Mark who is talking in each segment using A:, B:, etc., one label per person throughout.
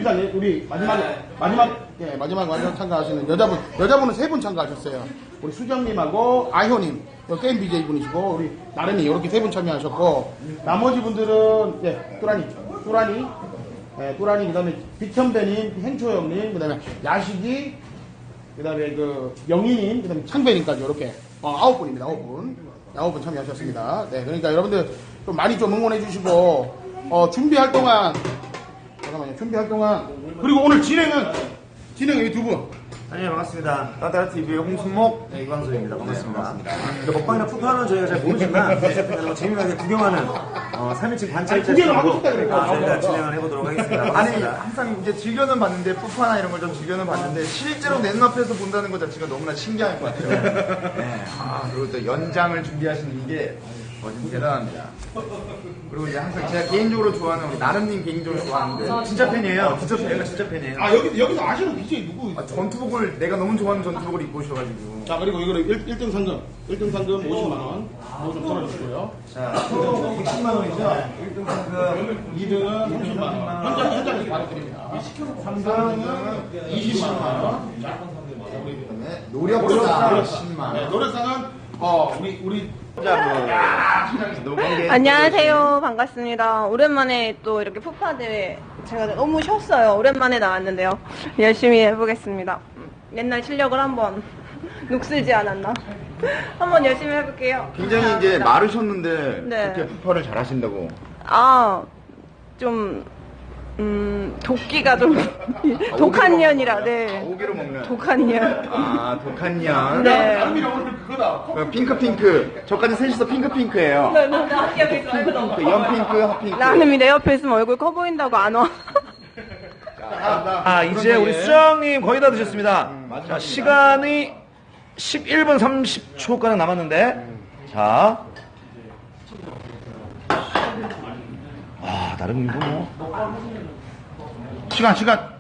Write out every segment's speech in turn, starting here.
A: 준비단이 우리 마지막 완전 참가하시는 여자분은 3분 참가하셨어요. 우리 수정님하고 아효님, 게임 BJ 분이시고 우리 나른이 이렇게 3분 참여하셨고 나머지 분들은 뚜라니 그다음에 비천배님, 행초형님, 그다음에 야식이, 그다음에 그 영희님, 그다음에 창배님까지 이렇게 9분입니다. 9분 참여하셨습니다. 네, 그러니까 여러분들 좀 많이 좀 응원해 주시고 준비할 동안 그리고 오늘 진행은 이 두 분.
B: 안녕하세요. 반갑습니다. 따따라TV의 홍순목, 이광수입니다. 반갑습니다. 먹방이나 푸파는 저희가 잘 모르지만 재미나게 구경하는 3인칭 관찰자식으로 저희가 진행을 해보도록 하겠습니다. 반갑습니다.
C: 아니 항상 이제 즐겨는 봤는데 푸파나 이런 걸 좀 즐겨는 봤는데 실제로 내 눈앞에서 본다는 것 자체가 너무나 신기할 것 같아요. 네. 그리고 또 연장을 준비하시는 게 진짜 대단합니다. 그리고 이제 항상 제가 개인적으로 좋아하는 우리 나름님 개인적으로 좋아하는데
B: 진짜 팬이에요. 진짜 팬이에요.
A: 여기서 아시는 BJ 누구?
C: 전투복을 내가 너무 좋아하는 전투복을 입고 오셔가지고.
A: 자, 그리고 이거는 1등 상금 50만원 이거 좀 써주시고요.
B: 자, 60만 원이죠? 1등 상금.
A: 2등은 30만원 현장에서 바로 드립니다. 3등은 20만원. 자,
C: 노력상 10만.
A: 네, 노래상은 우리
D: 안녕하세요. 반갑습니다. 오랜만에 또 이렇게 푸파 대회 제가 너무 쉬었어요. 오랜만에 나왔는데요. 열심히 해보겠습니다. 옛날 실력을 한번 녹슬지 않았나? 한번 열심히 해볼게요.
C: 굉장히 이제 마르셨는데
D: 네.
C: 그렇게 푸파를 잘하신다고.
D: 좀 도끼가 좀 독한 년이라, 네.
C: 오기로 먹는.
D: 독한 년.
C: 독한 년.
D: 네.
A: 오늘 그거다.
C: 핑크. 저까지 셋이서 핑크예요.
D: 네, 옆에 있어요.
C: 연핑크, 핫핑크.
D: 나는 내 옆에 있으면 얼굴 커 보인다고 안 와.
B: 이제 우리 수정님 거의 다 드셨습니다. 자, 시간이 11분 30초가량 남았는데, 자. 나름이고 뭐.
C: 시간.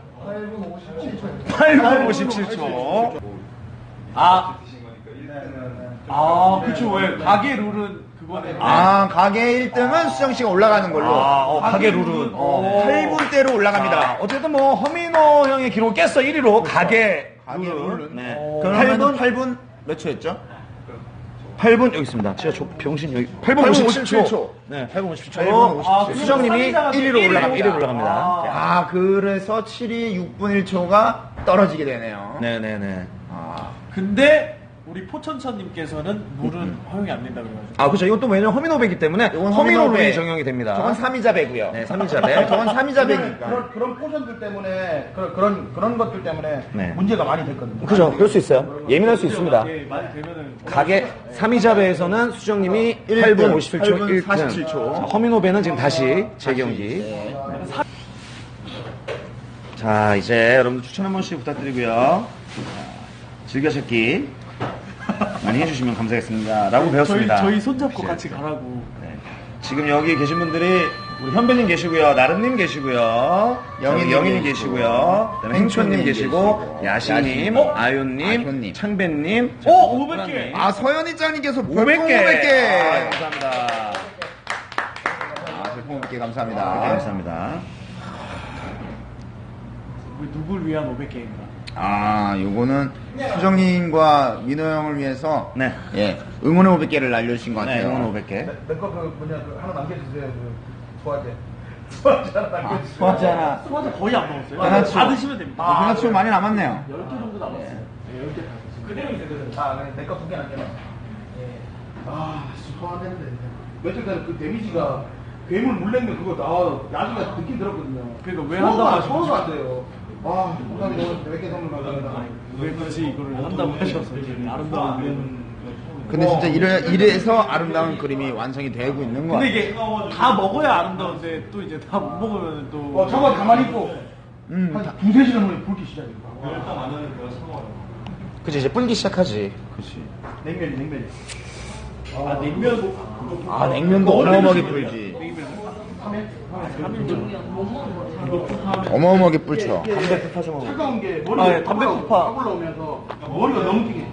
B: 8분 57초.
E: 그쵸. 왜 가게 룰은 그거네.
C: 가게 1등은 수정씨가 올라가는 걸로.
B: 가게 룰은.
C: 8분대로 올라갑니다.
B: 어쨌든 뭐, 허민호 형의 기록을 깼어, 1위로. 가게 룰은. 네.
C: 그러면 8분 몇 초였죠?
B: 8분 여기 있습니다. 제가 병신 여기 8분 57초. 네, 8분 57초. 수정님이 1위로 올라갑니다.
C: 그래서 7위 6분 1초가 떨어지게 되네요.
B: 네네네.
E: 근데 우리 포천천님께서는 물은 허용이 안 된다 그래가지고.
B: 그렇죠. 이건 또 왜냐면 허민호배이기 때문에
C: 이건
B: 허민호 룰이
C: 허민호배.
B: 적용이 됩니다.
C: 저건 3위자 배고요.
B: 네, 3위자 배.
C: 저건 3위자 배니까.
A: 그런 포션들 때문에 그런 것들 때문에
B: 네.
A: 문제가 많이 됐거든요.
B: 그죠. 그럴 수 있어요. 예민할 수 있습니다.
E: 많이 되면은.
B: 가게 3위자 배에서는 수정님이 8분 57초
C: 8분
B: 1등.
C: 47초.
B: 허민호배는 지금 다시 재경기. 네. 자, 이제 여러분들 추천 한 번씩 부탁드리고요. 즐겨찾기 많이 해주시면 감사하겠습니다. 라고 배웠습니다.
E: 저희 손잡고 같이 가라고.
B: 네. 지금 여기 계신 분들이 우리 현배님 계시고요, 나름님 계시고요, 영희님 계시고요, 그다음에 행초님 계시고, 야시님, 아윤님, 창배님,
E: 500개.
C: 서현이 짱님께서
B: 500개.
C: 500개.
B: 감사합니다.
C: 별풍 500개 감사합니다.
B: 감사합니다.
E: 누굴 위한 500개입니다.
C: 요거는 수정님과 민호 형을 위해서
B: 네.
C: 응원의 500개를 날려주신 것
B: 네,
C: 같아요.
B: 응원 500개.
A: 내거 하나 남겨주세요. 소화제
B: 소화제 하나.
E: 소화제 거의 안 먹었어요.
C: 하나씩.
E: 다 드시면 됩니다.
C: 하나치고 많이 남았네요.
E: 10개 정도 남았어요. 네, 10개 다 드세요. 그대로 있어요.
A: 내거 2개 남겨놔. 소화되는데 며칠 전에 그 데미지가 괴물 물냉면 그거 나중에 느낌 들었거든요.
E: 그러니까 왜 한다고 하셨죠?
A: 소화가 안 돼요. 감사합니다. 100개 선물 감사합니다.
E: 왜 굳이 이거를 한다고 하셔서 아름다운 면.
C: 근데 진짜 이래서 아름다운 그림이 완성이 되고 있는 것
E: 근데
C: 같아요.
E: 이게 다 먹어야 아름다운데 또 이제 다 못 먹으면 또.
A: 저거 가만히 있고 한 2-3시간 후에 붉기 시작해요.
B: 그치, 이제 불기 시작하지. 그치.
A: 냉면이.
E: 냉면.
C: 냉면도 어마어마하게 불지. 어마어마하게 불죠.
B: 담배 푸파 좀 먹어.
A: 차가운 게 머리가
E: 담배 푸파.
A: 올라오면서 머리가 너무 띵해.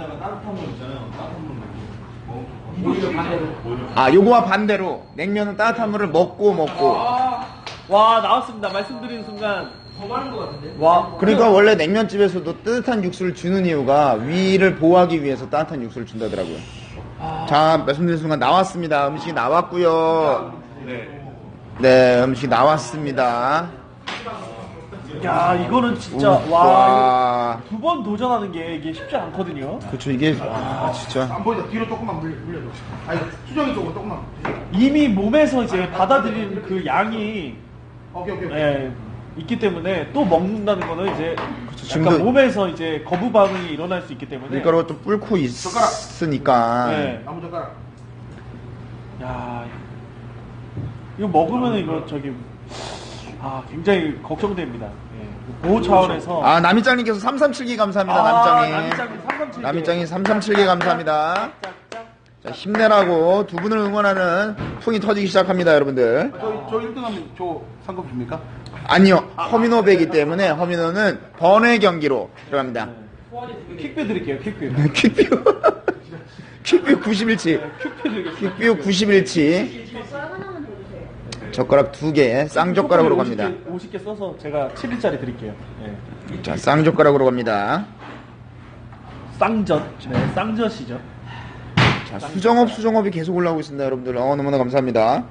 C: 요거와 반대로 냉면은 따뜻한 물을 먹고
E: 와, 나왔습니다. 말씀드리는 순간 와,
C: 그러니까 원래 냉면집에서도 따뜻한 육수를 주는 이유가 위를 보호하기 위해서 따뜻한 육수를 준다더라고요. 자, 말씀드린 순간 나왔습니다. 음식이 나왔고요. 네, 음식이 나왔습니다.
E: 야, 이거는 진짜,
C: 와.
E: 두 번 도전하는 게 이게 쉽지 않거든요.
C: 그렇죠. 이게 진짜
A: 안 보이죠? 뒤로 조금만 물려줘. 아니, 수정이 쪽으로 조금만.
E: 이미 몸에서 이제 받아들이는 그 양이
A: 오케이.
E: 예, 있기 때문에 또 먹는다는 거는 이제
C: 지금도-
E: 약간 몸에서 이제 거부 반응이 일어날 수 있기 때문에
C: 밀가루가 좀 뿔고 있으니까.
E: 네.
A: 나무젓가락.
E: 야, 이거 먹으면 이거 저기 굉장히 걱정됩니다. 예, 보호 차원에서
C: 아, 남이짱님께서 337기 감사합니다. 남이짱님. 남이짱님 337기 감사합니다. 자, 힘내라고 두 분을 응원하는 풍이 터지기 시작합니다, 여러분들.
A: 저 1등하면 저 상금 줍니까?
C: 아니요, 허민호배이기 때문에 허민호는 번외 경기로 들어갑니다.
E: 퀵뷰 드릴게요, 퀵뷰.
C: 퀵뷰. 퀵뷰 91치. 퀵뷰 91치. 젓가락 2개, 쌍젓가락으로 갑니다.
E: 50개 써서 제가 7일짜리 드릴게요. 예.
C: 자, 쌍젓가락으로 갑니다.
E: 쌍젓. 네, 쌍젓이죠.
C: 자, 수정업이 계속 올라오고 있습니다, 여러분들. 너무나 감사합니다.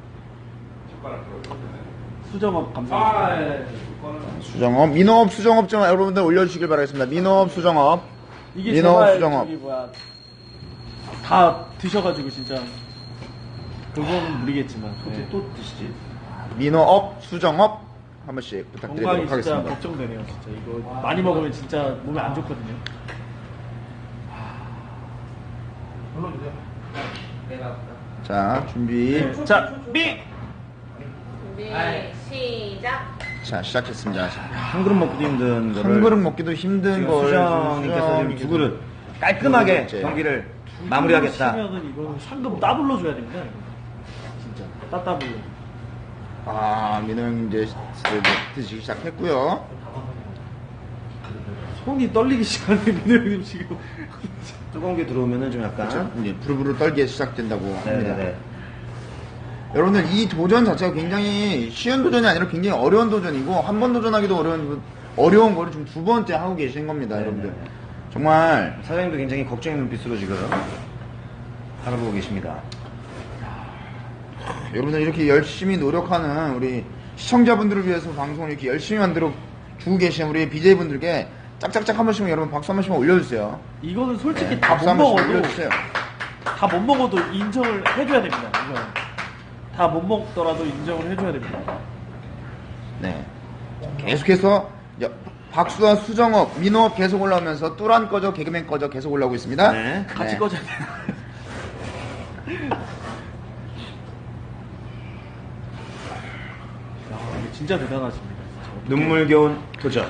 E: 수정업 감사합니다.
C: 수정업, 민호업, 수정업 좀 여러분들 올려주시길 바라겠습니다. 민호업, 수정업.
E: 이게
C: 민호업,
E: 제발
C: 수정업.
E: 저기 다 드셔가지고 진짜 그건 무리겠지만 또 드시지.
C: 민호업, 수정업 한 번씩 부탁드리도록
E: 건강이 진짜
C: 하겠습니다.
E: 걱정되네요. 진짜 이거 많이 먹으면 진짜 몸에 안 좋거든요.
C: 자, 준비.
E: 네. 자, 미.
D: 준비 시작.
C: 자, 시작했습니다.
B: 한 그릇 먹기도 힘든 거를
C: 한 그릇 먹기도 힘든
B: 지금
C: 걸
B: 수정님께서 지금 두 그릇 깔끔하게
C: 두 그릇째.
B: 경기를 마무리하겠다.
E: 치면은 이거는 상금 따블로 줘야 됩니다. 이거. 진짜 따따블로.
C: 아, 민호 형 이제 드시기 시작했고요.
E: 손이 떨리기 시작하네 민호 형님 지금.
B: 뜨거운 게 들어오면은 좀 약간
C: 자, 이제 부르부르 떨게 시작된다고 합니다.
B: 네네네.
C: 여러분들 이 도전 자체가 굉장히 쉬운 도전이 아니라 굉장히 어려운 도전이고 한 번 도전하기도 어려운 거를 지금 두 번째 하고 계신 겁니다, 여러분들. 정말
B: 사장님도 굉장히 걱정의 눈빛으로 지금 바라보고 계십니다.
C: 여러분들 이렇게 열심히 노력하는 우리 시청자분들을 위해서 방송을 이렇게 열심히 만들어 주고 계신 우리 BJ분들께 짝짝짝 한 번씩 여러분 박수 한 번씩만 올려주세요.
E: 이거는 솔직히
C: 네,
E: 다
C: 박수
E: 못
C: 한 번씩
E: 먹어도
C: 올려주세요.
E: 다 못 먹어도 인정을 해줘야 됩니다. 이거 다 못 먹더라도 인정을 해줘야 됩니다.
C: 네. 계속해서 박수와 수정업, 민호업 계속 올라오면서 뚜란 꺼져, 개그맨 꺼져 계속 올라오고 있습니다.
B: 네.
E: 같이
C: 네.
E: 꺼져야 돼요. 야, 이거 진짜 대단하십니다. 진짜.
B: 눈물겨운 도전.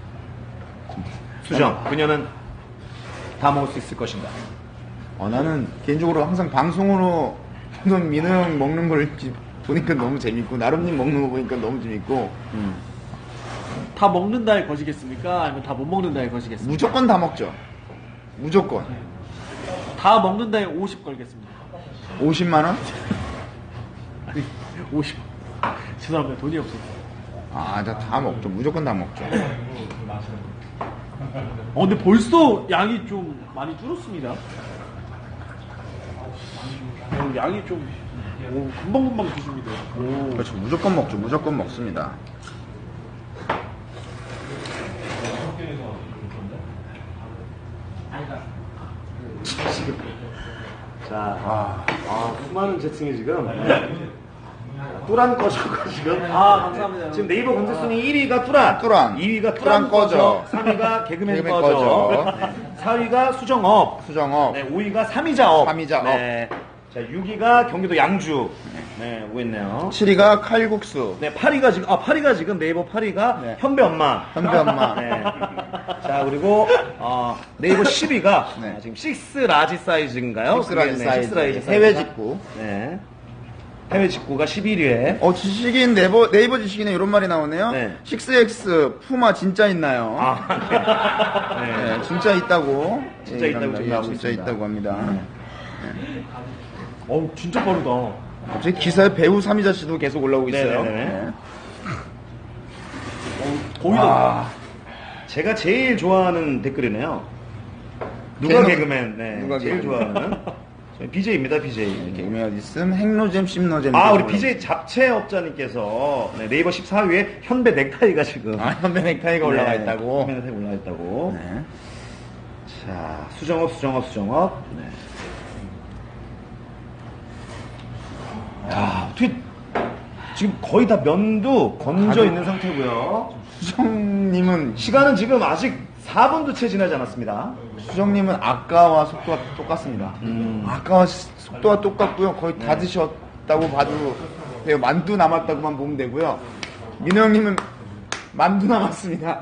B: 수정, 그녀는 다 먹을 수 있을 것인가?
C: 나는 개인적으로 항상 방송으로 항상 민호 형 먹는 걸 보니까 너무 재밌고 나름님 먹는 거 보니까 너무 재밌고
E: 다 먹는다에 거시겠습니까? 아니면 다 못 먹는다에 거시겠습니까?
C: 무조건 다 먹죠. 무조건.
E: 다 먹는다에 50 걸겠습니다.
C: 50만 원?
E: 50. 죄송합니다. 돈이 없어서.
C: 아, 다 먹죠. 무조건 다 먹죠.
E: 근데 벌써 양이 좀 많이 줄었습니다. 양이 좀 금방금방 드십니다.
C: 그렇죠. 무조건 먹죠. 무조건 먹습니다.
B: 자, 수많은 재층이 지금 뚜란 꺼져가 지금
E: 감사합니다.
B: 지금 네이버 검색순위 1위가 뚜란,
C: 뚜란.
B: 2위가
C: 뚜란 꺼져.
B: 3위가 개그맨
C: 개그맨
B: 꺼져,
C: 꺼져.
B: 4위가 수정업,
C: 수정업.
B: 네, 5위가 삼이자업,
C: 삼이자업.
B: 네, 자 6위가 경기도 양주, 네 오고 있네요.
C: 7위가 칼국수.
B: 네, 8위가 지금 네이버 8위가
C: 네.
B: 현배 엄마.
C: 현배 엄마.
B: 네. 자, 그리고 네이버 10위가
C: 네.
B: 지금 6 라지 사이즈인가요?
C: 식스라지
B: 그게, 네,
C: 사이즈.
B: 식스 라지
C: 해외
B: 사이즈가.
C: 직구.
B: 네. 해외 직구가 11위에.
C: 지식인 네이버 지식인에 이런 말이 나오네요.
B: 네.
C: 6X 푸마 진짜 있나요?
B: 네.
C: 네, 진짜 있다고.
B: 진짜
C: 예,
B: 있다고
C: 이랍니다.
B: 지금 나오고
C: 진짜
B: 있습니다.
C: 있다고 합니다.
E: 진짜 빠르다.
C: 갑자기 기사에 배우 삼이자 씨도 계속 올라오고 있어요.
B: 네네네.
C: 네.
E: 보이던데.
B: 제가 제일 좋아하는 댓글이네요. 누가
C: 개노-
B: 개그맨? 네,
C: 누가
B: 제일
C: 개그맨?
B: 좋아하는 저희 BJ입니다, BJ.
C: 개그맨 어디 있음? 핵노잼, 씹노잼.
B: 아, 우리 BJ 잡채업자님께서 네, 네이버 14위에 현배 넥타이가 지금
C: 아, 현배 넥타이가 올라가
B: 네,
C: 있다고.
B: 현배 넥타이 올라가 있다고.
C: 네.
B: 자, 수정업. 네. 야, 어떻게 지금 거의 다 면도 건져 있는 상태고요.
C: 수정님은
B: 시간은 지금 아직 4분도 채 지나지 않았습니다.
C: 수정님은 아까와 속도가 똑같습니다. 아까와 속도가 똑같고요. 거의 다 드셨다고 봐도 돼요. 만두 남았다고만 보면 되고요. 민호 형님은 만두 남았습니다.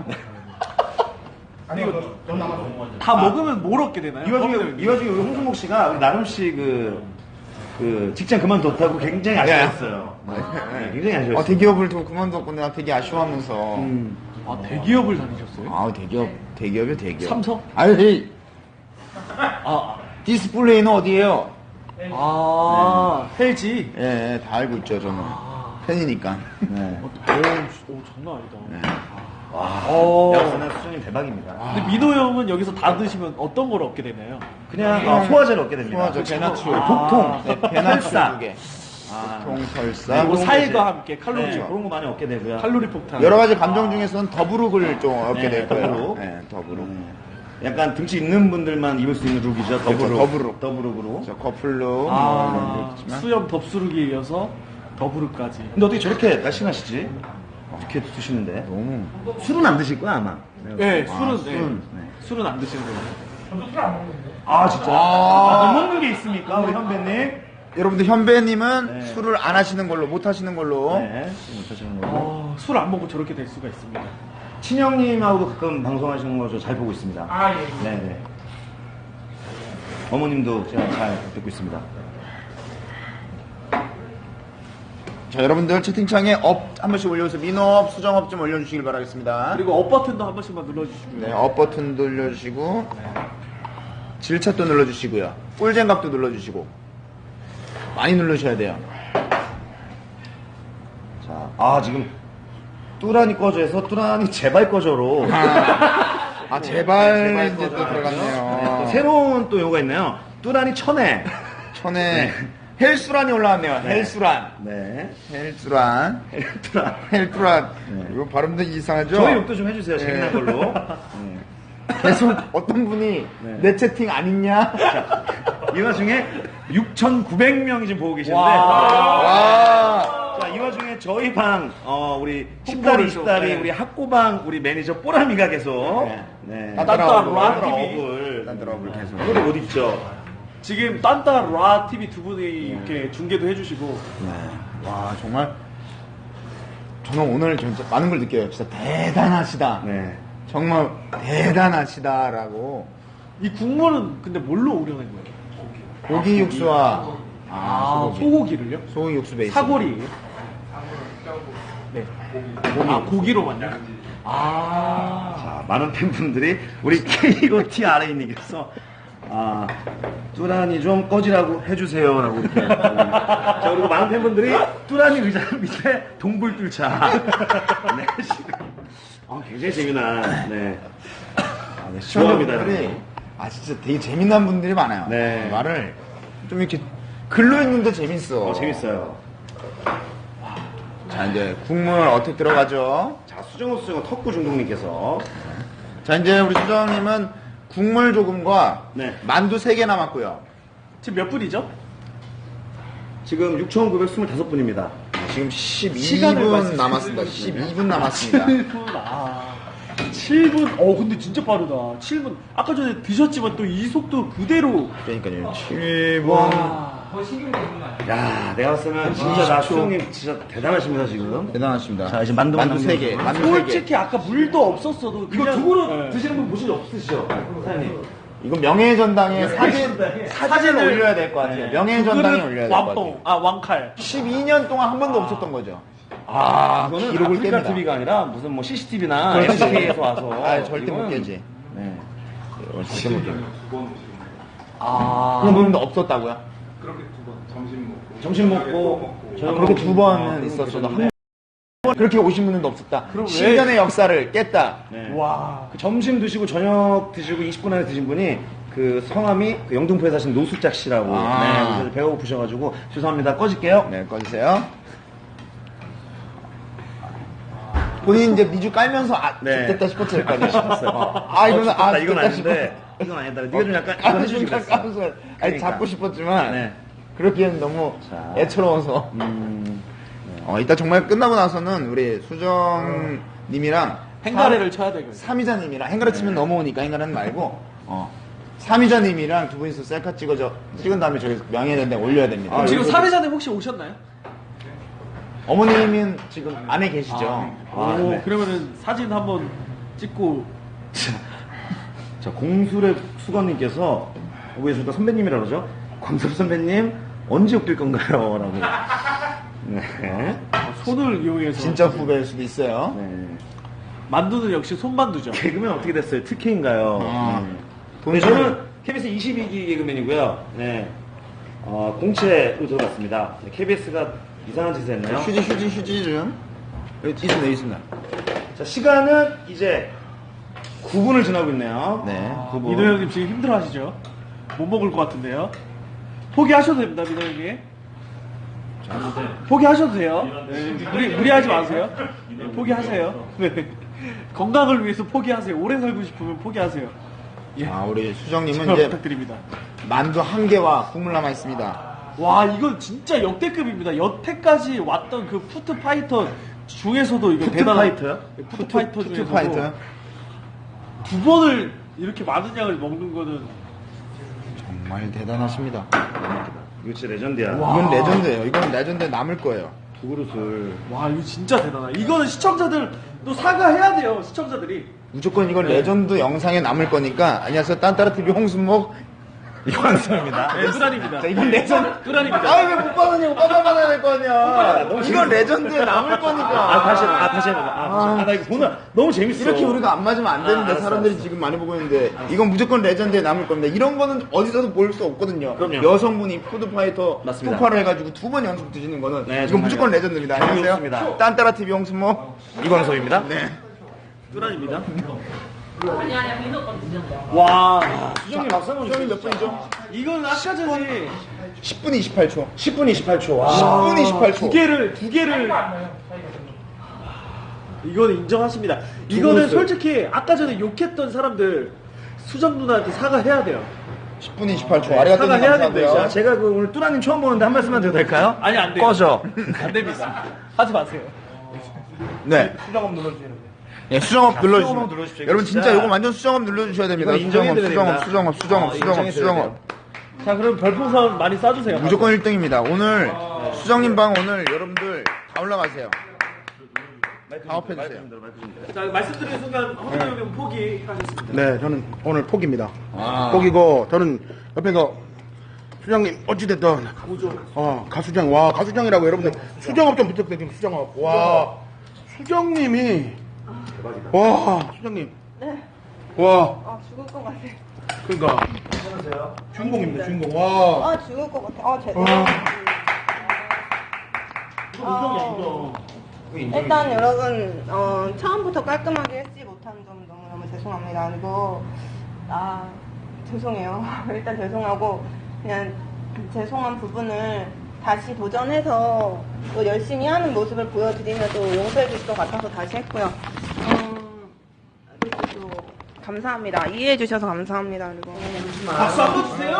E: 다 먹으면 뭘 얻게 되나요?
B: 이 와중에 우리 홍순목 씨가 우리 나름 씨 그 직장 그만뒀다고 굉장히 아쉬워했어요. 네, 굉장히 아쉬웠어요.
C: 대기업을 좀 그만뒀고 내가 되게 아쉬워하면서.
E: 아, 대기업을 다니셨어요?
C: 아, 대기업이요, 대기업.
E: 삼성?
C: 아유, 헤이.
E: 아,
C: 디스플레이는 어디에요?
E: LG.
C: 예, 다 알고 있죠, 저는. 팬이니까. 네.
E: 오, 장난 아니다.
C: 네.
B: 야구는 수준이 대박입니다.
E: 근데 민호 형은 여기서 다 드시면 어떤 걸 얻게 되나요?
B: 그냥 소화제를 얻게 됩니다.
C: 소화제, 배나츄.
B: 복통,
C: 네, 배나츄
B: 설사.
C: 2개. 보통 설사.
E: 그리고
B: 그런
E: 살과
B: 거지.
E: 함께 칼로리,
B: 네, 그런 거 많이 얻게 되고요.
E: 칼로리 폭탄.
C: 여러 가지 감정 중에서는 더부룩을 좀 얻게
B: 네,
C: 될 거예요.
B: 더부룩.
C: 네, 더부룩.
B: 약간 등치 있는 분들만 입을 수 있는 룩이죠.
C: 더부룩.
B: 더부룩으로.
C: 저 커플룩.
E: 아,
C: 있지만.
E: 수염 덥수룩에 이어서 더부룩까지.
B: 근데 어떻게 저렇게 날씬하시지? 어떻게 드시는데?
C: 너무.
B: 술은 안 드실 거야, 아마.
E: 네, 술은,
B: 술은,
E: 술은 안 드시는 거예요.
B: 아, 진짜? 못 먹는 게 있습니까, 우리 현배님?
C: 여러분들 현배님은
B: 네.
C: 술을 안 하시는 걸로, 못 하시는 걸로.
B: 네, 못 하시는 걸로.
E: 술 안 먹고 저렇게 될 수가 있습니다.
B: 친형님하고도 가끔 방송하시는 거 저 잘 보고 있습니다. 네네. 어머님도 제가 잘 듣고 있습니다.
C: 자, 여러분들 채팅창에 업 한 번씩 올려주세요. 민업, 수정업 좀 올려주시길 바라겠습니다.
E: 그리고 업 버튼도 한 번씩만 눌러주시고요.
C: 네, 업 버튼 눌러주시고, 질차도 눌러주시고요. 꿀잼각도 눌러주시고, 많이 누르셔야 돼요.
B: 자, 지금 뚜란이 꺼져서 뚜란이 제발 꺼져로.
C: 제발 이제
B: 꺼져
C: 또 들어갔네요.
B: 또 새로운 또 용어가 있네요. 뚜란이 천에.
C: 천에 헬수란이 올라왔네요. 헬수란.
B: 네.
C: 헬수란.
B: 뚜란.
C: 헬수란. 이거 발음도 이상하죠?
B: 저희 욕도 좀 해주세요. 재미난
C: 네.
B: 걸로.
C: 계속 어떤 분이
B: 네.
C: 내 채팅 안 있냐?
B: 이 와중에 6,900명이 지금 보고 계시는데.
C: 와.
B: 자, 이 와중에 저희 방, 우리
E: 홍보를
B: 10달이,
E: 좀,
B: 20달이,
E: 네.
B: 우리 학고방, 우리 매니저 뽀라미가 계속.
C: 네.
E: 딴따라 TV.
B: 업을.
C: 딴따라업을 계속.
B: 오늘 못 입죠.
E: 지금 딴따라 TV 두 분이 이렇게 중계도 해주시고.
C: 와, 정말. 저는 오늘 진짜 많은 걸 느껴요. 진짜 대단하시다.
B: 네.
C: 정말 대단하시다라고.
E: 이 국물은 근데 뭘로 우려낸 거예요?
C: 고기 육수와
E: 소고기를요?
C: 소고기 육수 베이스.
E: 사골이에요? 네. 고기로만요?
B: 자, 많은 팬분들이 우리 KOTRA님께서 뚜란이 좀 꺼지라고 해주세요라고 이렇게. 자, 그리고 많은 팬분들이 뚜란이 의자 밑에 동굴 뚫자. 네, 지금. 굉장히 재미난, 네. 네, 시원합니다.
C: 시청자분들이 진짜 되게 재미난 분들이 많아요.
B: 네.
C: 말을 좀 이렇게 글로 읽는데 재밌어.
B: 재밌어요.
C: 자, 이제 국물 어떻게 들어가죠?
B: 자, 수정호 턱구 중독님께서.
C: 자, 이제 우리 수정님은 국물 조금과
B: 네.
C: 만두 3개 남았고요.
E: 지금 몇 분이죠?
B: 지금 6,925분입니다.
C: 지금
E: 시간을
C: 12분
E: 말씀해
C: 남았습니다.
E: 주시면
C: 12분 남았습니다.
E: 7분. 근데 진짜 빠르다. 7분. 아까 전에 드셨지만 또 이 속도 그대로.
C: 그러니까요. 7분.
E: 와.
B: 야, 내가 봤을 때는 진짜 나 수영님 진짜 대단하십니다, 지금.
C: 대단하십니다.
B: 자, 이제 만두
C: 3개. 만두 3개.
E: 솔직히 아까 물도 없었어도
B: 이거
E: 그냥-
B: 두 그릇
E: 네.
B: 드시는 분 보신 적 없으시죠? 사장님.
C: 이거 명예전당에 사진을 올려야 될 것 같아요. 명예전당에
E: 그
C: 올려야 될 것 같아요.
E: 왕봉. 왕칼.
C: 12년 동안 한 번도 없었던 거죠.
B: 이거는
C: 기록을
B: 아프리카
C: 깹니다.
B: TV가 아니라 무슨 뭐 CCTV나
C: 그렇지.
B: NHK에서 와서.
C: 절대 못
B: 이건-
C: 깨지.
B: 네.
C: 절대 못 깨지.
E: 아.
C: 그런 부분도 없었다고요?
B: 점심 먹고.
C: 그렇게 두 번은 있었어도 한 그렇게 오신 분은 없었다.
E: 그럼 왜-
C: 10년의 역사를 깼다.
B: 네.
E: 와.
B: 그 점심 드시고 저녁 드시고 20분 안에 드신 분이 그 성함이 그 영등포에 사신 노숙작 씨라고.
C: 아.
B: 네, 그래서 배가 고프셔가지고 죄송합니다. 꺼질게요.
C: 네, 꺼주세요. 본인 이제 미주 깔면서
B: 네.
C: 됐다 싶었을 거 아니에요?
B: 싶었어요.
C: 이거는
B: 좋겠다, 이건
C: 좋겠다
B: 아닌데 이건 아니다. 네가 좀 약간 이거 해주지 그랬어.
C: 까면서 아니
B: 그러니까.
C: 잡고 싶었지만
B: 네.
C: 그렇기에는 너무
B: 자.
C: 애처로워서. 이따 정말 끝나고 나서는 우리 수정님이랑
E: 행가래를 쳐야 되거든요.
C: 삼이자님이랑 행가래 치면 넘어오니까 행가래는 말고 삼이자님이랑 두 분이서 셀카 찍은 다음에 저기 명예전대 올려야 됩니다.
E: 지금 사회자님 혹시 오셨나요?
C: 어머님은 지금 안에 계시죠?
B: 아,
E: 오,
B: 네.
E: 그러면은 사진 한번 찍고.
B: 자, 공수랩 수건님께서 왜 저희가 선배님이라 그러죠? 광섭 선배님 언제 웃길 건가요? 라고. 네.
E: 손을 이용해서.
C: 진짜 후배일 수도 있어요.
B: 네.
E: 만두는 역시 손만두죠.
B: 개그맨 어떻게 됐어요? 특혜인가요?
C: 돈이
B: 저는 KBS 22기 개그맨이고요. 네. 공채로 들어갔습니다. 네, KBS가 이상한 짓을 했나요?
C: 휴지 좀. 여기 있습니다.
B: 자, 시간은 이제 9분을 지나고 있네요.
C: 네.
E: 민호 형님 지금 힘들어 하시죠? 못 먹을 것 같은데요? 포기하셔도 됩니다, 민호 형님. 포기하셔도 돼요. 네, 무리하지 마세요. 네, 포기하세요. 네. 건강을 위해서 포기하세요. 오래 살고 싶으면 포기하세요.
C: 우리 수정님은
E: 잘
C: 이제
E: 부탁드립니다.
C: 만두 한 개와 국물 남아 있습니다.
E: 와, 이건 진짜 역대급입니다. 여태까지 왔던 그 푸드파이터 중에서도 이거 대단한.
B: 파이터요?
E: 네, 푸드파이터
C: 푸드
E: 중에서도
C: 파이터.
E: 두 번을 이렇게 많은 양을 먹는 거는.
C: 정말 대단하십니다.
B: 이거 진짜 레전드야.
C: 이건 레전드예요. 이건 레전드에 남을 거예요.
B: 두 그릇을.
E: 와, 이거 진짜 대단하다. 이거는 시청자들도 사과해야 돼요, 시청자들이.
C: 무조건 이건 레전드 영상에 남을 거니까. 안녕하세요. 딴따라TV 홍순목 이광수입니다.
E: 네, 뚜란입니다.
C: 자, 이건 레전드.
E: 뚜란입니다.
C: 왜 못 받았냐고. 받아야 될 거 아니야. 이건 레전드에 남을 거니까.
B: 다시 해봐. 나 이거 보나 너무 재밌어.
C: 이렇게 우리가 안 맞으면 안 되는데
B: 알았어,
C: 사람들이 지금 많이 보고 있는데 이건 무조건 레전드에 남을 겁니다. 이런 거는 어디서도 볼 수 없거든요.
B: 그럼요.
C: 여성분이 푸드파이터
B: 맞습니다.
C: 푸파를 해가지고 두 번 연속 드시는 거는
B: 네,
C: 이건
B: 정말요.
C: 무조건 레전드입니다.
B: 좋습니다.
C: 안녕하세요. 딴따라TV 홍순모
B: 이광섭입니다.
C: 네.
E: 뚜란입니다. 와,
B: 수정님 박수 한번
C: 수정님 몇 분이죠?
E: 이건 아까 전에
C: 10분 28초.
B: 10분 28초. 와.
C: 10분 28초.
E: 두 개를. 이거는 인정하십니다. 이거는
C: 그릇을.
E: 솔직히 아까 전에 욕했던 사람들 수정 누나한테 사과해야 돼요.
C: 10분 28초. 아리가또
E: 사과해야
C: 감사하고요.
E: 됩니다.
B: 제가 그 오늘 뚜라님 처음 보는데 한 말씀만 드려도 될까요?
E: 아니, 안 돼요.
B: 꺼져.
E: 안 됩니다. 하지 마세요.
C: 네.
E: 수정업 눌러주세요.
C: 네, 수정업 눌러주시면.
B: 수정업 눌러주십시오.
C: 여러분
B: 진짜.
C: 진짜 이거 완전 수정업 눌러주셔야 됩니다.
B: 이거 인정해드려야 됩니다.
C: 수정업.
E: 자, 그럼 별풍선 많이 쏴주세요.
C: 무조건 1등입니다. 오늘 수정님 방 오늘 여러분들 다 올라가세요. 가업해주세요.
E: 자, 말씀드린 순간 허민호 형님 포기하셨습니다.
A: 네, 저는 오늘 포기입니다. 포기고, 저는 옆에 수장님, 어찌됐든. 가수장, 와, 가수장이라고 여러분들. 수정업 좀 부탁드립니다, 수정업. 와, 수정님이. 와, 수장님.
D: 네.
A: 와,
D: 죽을 것 같아.
A: 그러니까. 주인공입니다, 주인공. 와.
D: 죽을 것 같아. 죄송해요. 일단 여러분 처음부터 깔끔하게 했지 못한 점 너무너무 죄송합니다. 그리고 죄송해요. 일단 죄송하고 그냥 죄송한 부분을 다시 도전해서 또 열심히 하는 모습을 보여드리면 또 용서해 주실 것 같아서 다시 했고요. 그리고 또 감사합니다. 이해해 주셔서 감사합니다. 그리고
E: 박수 한번 주세요!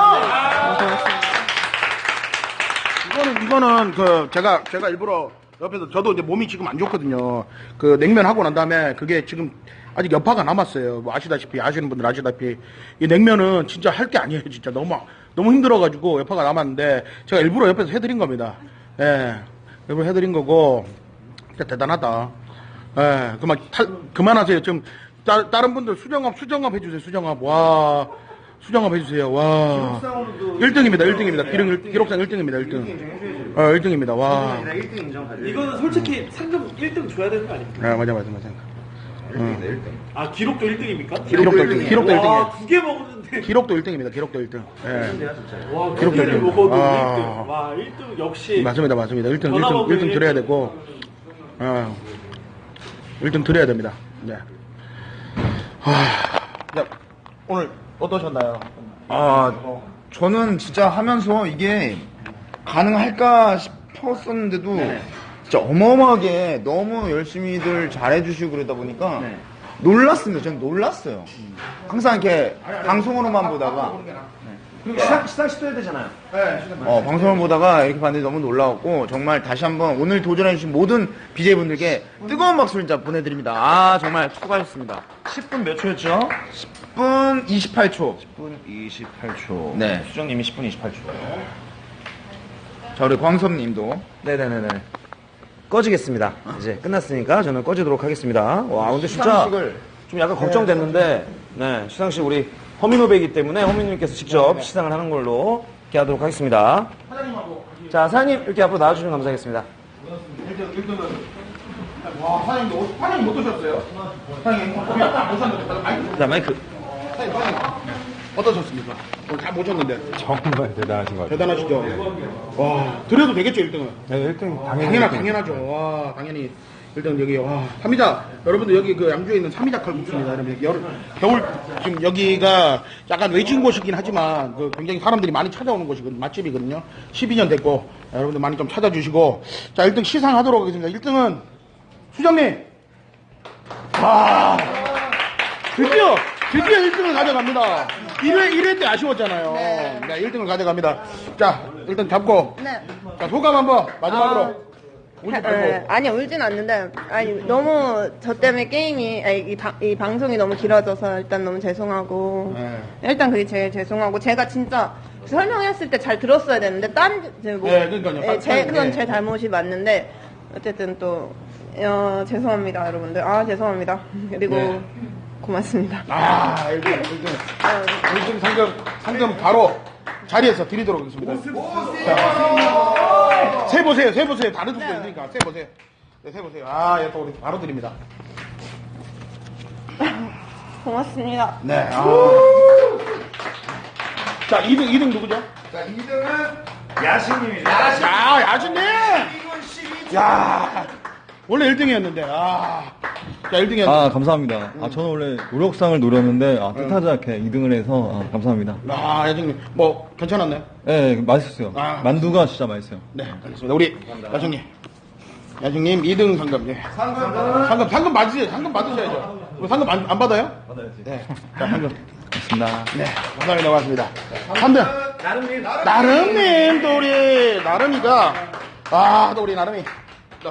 A: 이거는 제가 일부러 옆에서 저도 이제 몸이 지금 안 좋거든요. 그 냉면 하고 난 다음에 그게 지금 아직 여파가 남았어요. 뭐 아시는 분들 아시다시피 이 냉면은 진짜 할 게 아니에요. 진짜 너무 힘들어가지고 여파가 남았는데 제가 일부러 옆에서 해드린 겁니다. 예, 일부러 해드린 거고 진짜 대단하다. 예, 그만하세요. 지금 다른 분들 수정업 해주세요. 수정업. 와. 수정업 해주세요. 와. 1등입니다. 기록상 1등입니다. 1등. 1등입니다. 와.
B: 1등 인정 가지고.
E: 이거는 솔직히 상금 1등 줘야 되는 거 아닙니까?
A: 맞아.
B: 1등.
E: 아, 기록도 1등입니까?
A: 기록도 1등. 기록도 1등이에요.
E: 와, 2개 먹었는데.
A: 기록도 1등입니다. 기록도 1등. 예.
E: 와,
A: 기록도
E: 2개를
A: 1등.
E: 먹어도
A: 아.
E: 1등. 와, 1등 역시.
A: 맞습니다. 1등 드려야 되고. 1등 드려야 됩니다. 네. 야, 오늘 어떠셨나요?
C: 저는 진짜 하면서 이게 가능할까 싶었었는데도 진짜 어마어마하게 너무 열심히들 잘해주시고 그러다 보니까 놀랐습니다. 저는 놀랐어요. 항상 이렇게 방송으로만 보다가
B: 그리고 시상 시도해야 되잖아요.
C: 방송을 보다가 이렇게 봤는데 너무 놀라웠고 정말 다시 한번 오늘 도전해주신 모든 BJ분들께 뜨거운 박수를 진짜 보내드립니다. 정말 수고하셨습니다.
B: 10분 몇 초였죠?
C: 10분 28초.
B: 10분 28초.
C: 네.
B: 수정님이 10분 28초.
C: 자, 우리 광섭님도.
B: 네네네네. 꺼지겠습니다. 이제 끝났으니까 저는 꺼지도록 하겠습니다. 와, 근데 진짜
C: 시상식을
B: 좀 약간 걱정됐는데, 네, 시상식 우리 허민호배이기 때문에 허민님께서 직접 시상을 하는 걸로 이렇게 하도록 하겠습니다. 자, 사장님 이렇게 앞으로 나와주시면 감사하겠습니다.
A: 1등. 와, 사장님 못 드셨어요? 사장님, 못 샀는데.
B: 자, 마이크.
A: 사장님, 어떠셨습니까? 오늘 다 모셨는데.
F: 정말 대단하신 것 같아요.
A: 대단하시죠? 와, 드려도 되겠죠, 1등은?
F: 네, 1등 당연히.
A: 당연하죠. 와, 당연히. 일단 여기, 와, 삼이자. 여러분들 여기 그 양주에 있는 삼이자 칼국수입니다. 여러분, 겨울, 지금 여기가 약간 외진 곳이긴 하지만, 그 굉장히 사람들이 많이 찾아오는 곳이거든요. 맛집이거든요. 12년 됐고, 여러분들 많이 좀 찾아주시고. 자, 1등 시상하도록 하겠습니다. 1등은 수정님. 와, 드디어 1등을 가져갑니다. 1회 때 아쉬웠잖아요. 네, 1등을 가져갑니다. 자, 일단 잡고.
D: 네.
A: 자, 소감 한번 마지막으로. 울지 말고.
D: 아니 울진 않는데 너무 저 때문에 게임이 이 방송이 너무 길어져서 일단 너무 죄송하고
A: 네.
D: 일단 그게 제일 죄송하고 제가 진짜 설명했을 때 잘 들었어야 되는데
A: 네, 그러니까요.
D: 그건
A: 네.
D: 제 잘못이 맞는데 어쨌든 또 죄송합니다 여러분들 죄송합니다 그리고
A: 네.
D: 고맙습니다.
A: 1등 상금 바로 자리에서 드리도록 하겠습니다. 자, 세보세요. 다른 숙소 있으니까 세보세요. 네, 세보세요. 또 우리 바로 드립니다.
D: 고맙습니다.
A: 네. 자, 2등 누구죠?
C: 자, 2등은
B: 야신님입니다.
A: 야준님! 야, 원래 1등이었는데, 자, 1등이었는데.
F: 감사합니다. 저는 원래 노력상을 노렸는데, 뜻하지 않게 2등을 해서, 감사합니다.
A: 야준님, 뭐, 괜찮았나요?
F: 네, 맛있었어요. 만두가 진짜 맛있어요.
A: 네, 알겠습니다. 우리, 야중님 2등 상금, 예. 상금 받으세요. 상금 받으셔야죠. 우리 상금 안 받아요?
F: 받아야지.
A: 네. 자, 상금.
F: 고맙습니다.
A: 네, 감사합니다. 고맙습니다. 3등. 나름님, 또 우리, 나름이가, 또 우리 나름이. 또.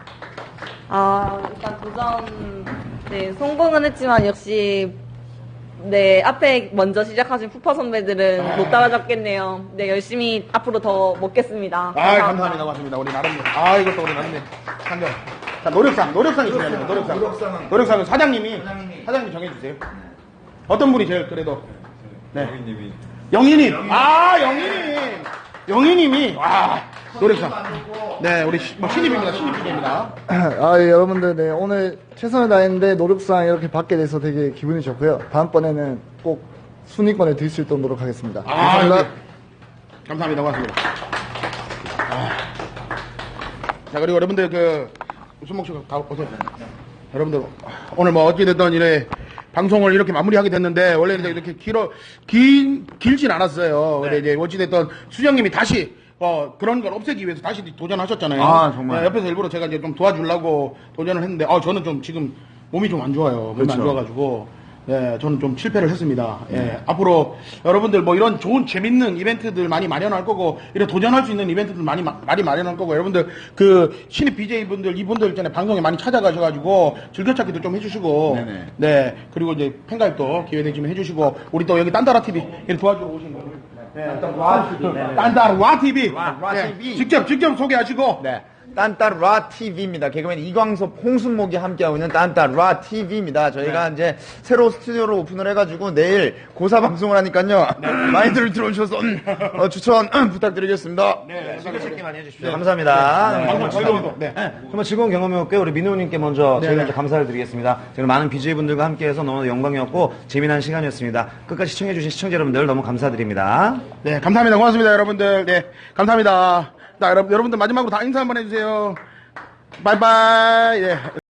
G: 일단 도전, 성공은 했지만 역시, 앞에 먼저 시작하신 푸파 선배들은 못 따라잡겠네요. 열심히 앞으로 더 먹겠습니다.
A: 감사합니다. 고맙습니다. 우리 나름님. 이것도 우리 나름님. 상금. 자, 노력상이 중요해요. 노력상은 사장님이 정해주세요. 어떤 분이 제일 그래도. 네. 영희님. 영희님이. 노력상. 네, 우리 신입입니다. 신입입니다.
H: 여러분들, 오늘 최선을 다했는데 노력상 이렇게 받게 돼서 되게 기분이 좋고요. 다음번에는 꼭 순위권에 들 수 있도록 노력하겠습니다.
A: 감사합니다. 고맙습니다. 자, 그리고 여러분들 웃음목식 다 오세요. 여러분들, 오늘 뭐 어찌됐든 방송을 이렇게 마무리하게 됐는데, 원래 이렇게 길진 않았어요. 근데 이제 어찌됐든 수정님이 다시 그런 걸 없애기 위해서 다시 도전하셨잖아요.
C: 정말.
A: 네, 옆에서 일부러 제가 이제 좀 도와주려고 도전을 했는데, 저는 좀 지금 몸이 좀 안 좋아요. 몸이 안 좋아가지고. 네, 저는 좀 실패를 했습니다. 예, 앞으로 여러분들 뭐 이런 좋은 재밌는 이벤트들 많이 마련할 거고, 이런 도전할 수 있는 이벤트들 많이 마련할 거고, 여러분들 그 신입 BJ분들, 이분들 있잖아요. 방송에 많이 찾아가셔가지고 즐겨찾기도 좀 해주시고,
C: 네네.
A: 네, 그리고 이제 팬가입도 기회되시면 해주시고, 우리 또 여기 딴따라 TV 도와주러 오신 분들. 딴따라 TV.
C: TV.
A: 직접 소개하시고.
C: 네. 딴따라 TV입니다. 개그맨 이광섭, 홍순목이 함께하고 있는 딴따라 TV입니다. 저희가 이제 새로 스튜디오를 오픈을 해가지고 내일 고사 방송을 하니까요. 많이들 들어오셔서 추천 부탁드리겠습니다.
B: 즐겨찾기 많이 해주십시오. 감사합니다. 정말 즐거운 경험이었고요. 우리 민호님께 먼저 제일 먼저 감사를 드리겠습니다. 저는 많은 BJ분들과 함께해서 너무 영광이었고 재미난 시간이었습니다. 끝까지 시청해주신 시청자 여러분들 너무 감사드립니다.
A: 네, 감사합니다. 고맙습니다, 여러분들. 네, 감사합니다. 자, 여러분들 마지막으로 다 인사 한번 해주세요. 바이바이. 예.